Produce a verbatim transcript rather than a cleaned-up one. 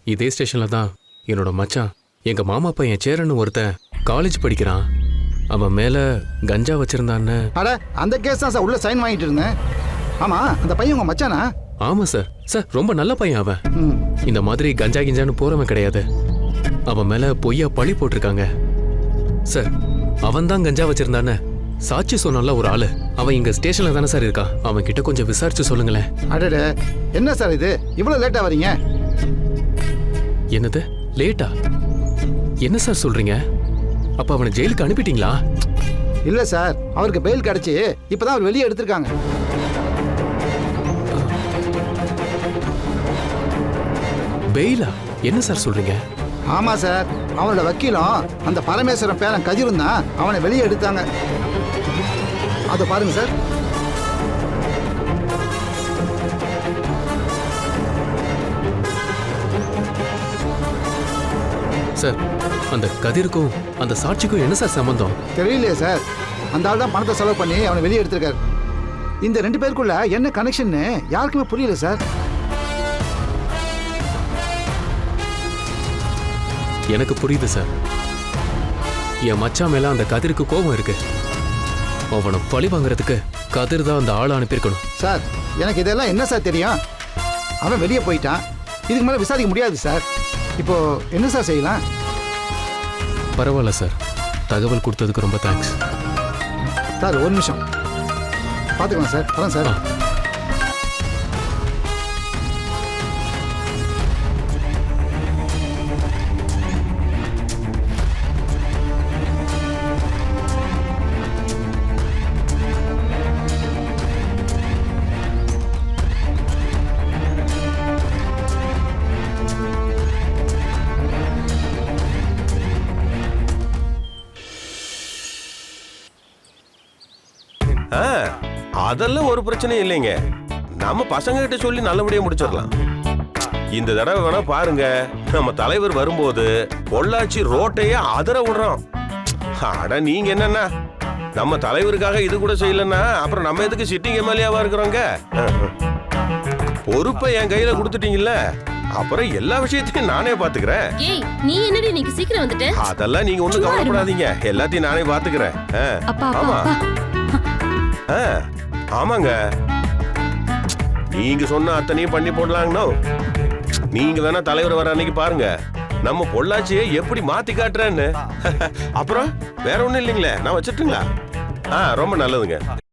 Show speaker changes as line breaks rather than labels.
இதே ஸ்டேஷன்ல தான் என்னோட மச்சான் எங்க மாமா பையன் சேரன்னு ஒருத்தன் காலேஜ் படிக்கிறான். அவன் மேல கஞ்சா வச்சிருந்தான்னு.
அட அந்த கேஸ் தான் சார் உள்ள சைன் வாங்கிட்டு இருந்தேன். ஆமா அந்த பையன் உங்க மச்சானா?
ஆமா சார். சார் ரொம்ப நல்ல பையன் அவன். இந்த மாதிரி கஞ்சா கிஞ்சான்னு போறவன் கிடையாது. அவன் மேல பொய்யா பழி போட்டிருக்காங்க சார். அவன் தான் கஞ்சா வச்சிருந்தானே சாட்சி சொன்னால ஒரு ஆளு. அவன் இங்க ஸ்டேஷன்ல தானே சார் இருக்கா. அவன் கிட்ட கொஞ்சம் விசாரிச்சு சொல்லுங்களேன்.
அடடே என்ன சார் இது இவ்வளவு லேட்டா வரீங்க?
என்னது லேட்டா? என்ன சார் சொல்றீங்க? அப்ப அவனை ஜெயிலுக்கு அனுப்பிட்டீங்களா?
இல்ல சார், அவருக்கு பெயில் கிடைச்சி இப்பதான் அவர் வெளியே எடுத்திருக்காங்க.
பெயிலா? என்ன சார் சொல்றீங்க?
ஆமா சார், அவனோட வக்கீலும் அந்த பரமேஸ்வரன் பேரன் கதிரும் தான் அவனை வெளியே எடுத்தாங்க. அதை பாருங்க சார்.
சார் அந்த கதிருக்கும் அந்த சாட்சிக்கும் என்ன சார் சம்பந்தம்?
தெரியலையே சார். அந்த ஆள் தான் பணத்தை செலவு பண்ணி அவனை வெளியே எடுத்திருக்காரு. இந்த ரெண்டு பேருக்குள்ள என்ன கனெக்ஷன் யாருக்குமே புரியல சார்.
எனக்கு புரியுது சார். என் மச்சான் மேல அந்த கதிருக்கு கோபம் இருக்கு. அவனை பழி வாங்குறதுக்கு கதிர் தான் அந்த ஆளை அனுப்பியிருக்கணும்.
சார் எனக்கு இதெல்லாம் என்ன சார் தெரியும்? அவன் வெளியே போயிட்டான். இதுக்கு மேலே விசாரிக்க முடியாது சார். இப்போ என்ன சார் செய்யலாம்?
பரவாயில்ல சார், தகவல் கொடுத்ததுக்கு ரொம்ப தேங்க்ஸ்
சார். ஒரு நிமிஷம் பார்த்துக்கலாம் சார். வரேன் சார்.
அதெல்லாம் ஒரு பிரச்சனையும் இல்லைங்க. நம்ம பசங்க கிட்ட சொல்லி நல்லபடியா முடிச்சிடலாம். இந்த தடவை வேணா பாருங்க, நம்ம தலைவர் வரும்போது பொள்ளாச்சி ரோட்டையே அதர விடுறோம். அட நீங்க என்னன்னா நம்ம தலைவருக்காக இது கூட செய்யலன்னா அப்புறம் நம்ம எதுக்கு சிட்டிங் எம்எல்ஏவா இருக்கிறோங்க? பொறுப்பை என் கையில கொடுத்துட்டீங்கல்ல, அப்புறம் எல்லா விஷயத்தையும் நானே பாத்துக்கிறேன்.
ஏய் நீ என்னடி இன்னைக்கு சீக்கிரம் வந்துட்ட?
அதெல்லாம் நீங்க ஒண்ணும் கவலைப்படாதீங்க, எல்லாத்தையும் நானே பாத்துக்கிறேன். ஆமா ஆமாங்க, நீங்க சொன்ன அத்தனையும் பண்ணி போடலாங்கண்ணோ. நீங்க வேணா தலைவர் வர அன்னைக்கு பாருங்க நம்ம பொள்ளாச்சியை எப்படி மாத்தி காட்டுறேன்னு. அப்புறம் வேற ஒண்ணும் இல்லைங்களே, நான் வச்சுட்டுங்களா? ஆ ரொம்ப நல்லதுங்க.